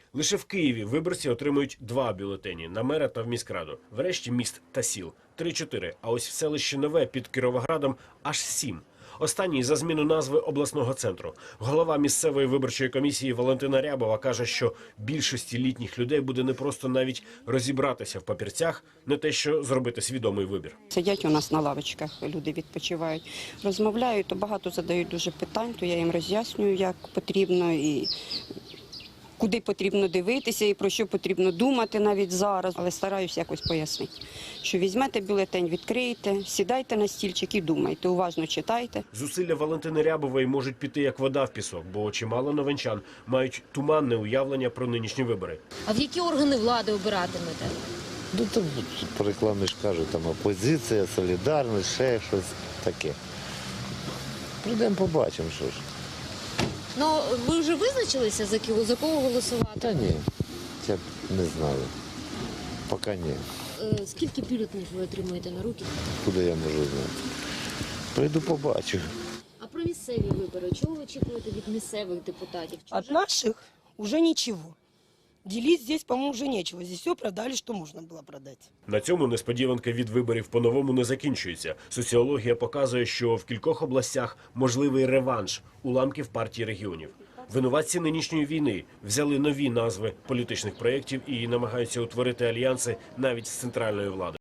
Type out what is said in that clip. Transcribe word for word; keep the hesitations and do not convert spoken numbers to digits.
Лише в Києві виборці отримують два бюлетені – на мера та в міськраду. Врешті міст та сіл – три-чотири, а ось в селищі Нове під Кіровоградом – аж сім. Останній за зміну назви обласного центру. Голова місцевої виборчої комісії Валентина Рябова каже, що більшості літніх людей буде непросто навіть розібратися в папірцях, не те що зробити свідомий вибір. Сидять у нас на лавочках, люди відпочивають, розмовляють, то багато задають дуже питань, то я їм роз'яснюю, як потрібно і куди потрібно дивитися і про що потрібно думати навіть зараз. Але стараюся якось пояснити, що візьмете бюлетень, відкриєте, сідайте на стільчик і думайте, уважно читайте. Зусилля Валентини Рябової можуть піти як вода в пісок, бо чимало новинчан мають туманне уявлення про нинішні вибори. А в які органи влади обиратимете? Ну, там по рекламі ж кажуть, там опозиція, солідарність, ще щось таке. Прийдемо, побачимо, що ж. Ну, ви вже визначилися, за кого, за кого голосувати? Та ні, я не знаю. Поки ні. Е, Скільки бюлетенів ви отримуєте на руки? Куди я можу знати? Прийду, побачу. А про місцеві вибори? Чого ви очікуєте від місцевих депутатів? Чого От наших уже ничего. Делить здесь, по-моему, уже нечего. Здесь все продали, что можно было продать. На цьому несподіванка від виборів по-новому не закінчується. Соціологія показує, що в кількох областях можливий реванш уламків партії регіонів. Винуватці нинішньої війни взяли нові назви політичних проєктів і намагаються утворити альянси навіть з центральною владою.